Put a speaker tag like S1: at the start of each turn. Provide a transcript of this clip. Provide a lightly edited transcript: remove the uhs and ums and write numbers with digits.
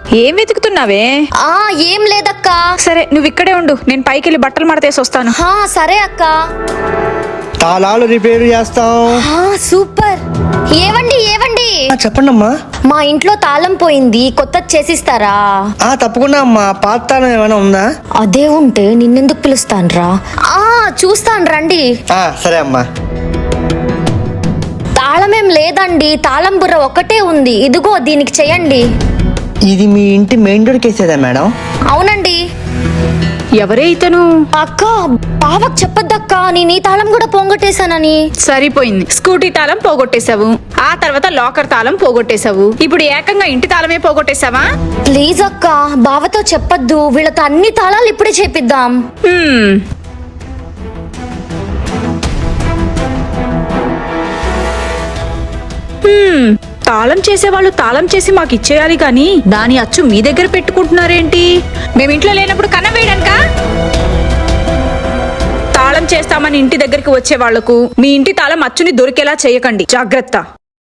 S1: ఏం వెతుకుతున్నావే?
S2: ఏం లేదక్క.
S1: సరే నువ్వు ఇక్కడే ఉండు, నేను పైకి వెళ్ళి బట్టలు మడతేసి వస్తాను.
S2: సరే అక్క.
S3: తాళాలు రిపేర్ చేస్తాం.
S2: సూపర్. ఏవండి
S3: చెప్పండి అమ్మా.
S2: మా ఇంట్లో తాళం పోయింది, కొత్తది చేసిస్తారా?
S3: తప్పకుండా అమ్మా. పాత తాళం ఏమైనా ఉందా?
S2: అదే ఉంటే నిన్నెందుకు పిలుస్తాన్రా? చూస్తాను రండి.
S3: సరే అమ్మా.
S2: తాళమేం లేదండి, తాళం బుర్ర ఒకటే ఉంది. ఇదిగో దీనికి చెయ్యండి.
S3: ఇది మీ ఇంటి మెయిన్ డోర్ కేసేదా మేడం?
S2: అవునండి.
S1: ఎవరే ఇతను?
S2: అక్క, బావకు చెప్పొద్దక్క, నేను ఈ తాళం కూడా పోగొట్టేశానని.
S1: సరిపోయింది. స్కూటీ తాళం పోగొట్టేశావు, ఆ తర్వాత లాకర్ తాళం పోగొట్టేశావు, ఇప్పుడు ఏకంగా ఇంటి తాళమే పోగొట్టేశావా?
S2: ప్లీజ్ అక్క, బావతో చెప్పొద్దు. వీళ్ళతో అన్ని తాళాలు ఇప్పుడే చేపిద్దాం.
S1: తాళం చేసేవాళ్ళు తాళం చేసి మాకు ఇచ్చేయాలి గాని దాని అచ్చు మీ దగ్గర పెట్టుకుంటున్నారేంటి? మేమింట్లో లేనప్పుడు కన్నం వేయడానికా? తాళం చేస్తామని ఇంటి దగ్గరికి వచ్చే వాళ్లకు మీ ఇంటి తాళం అచ్చుని దొరికేలా చేయకండి, జాగ్రత్త.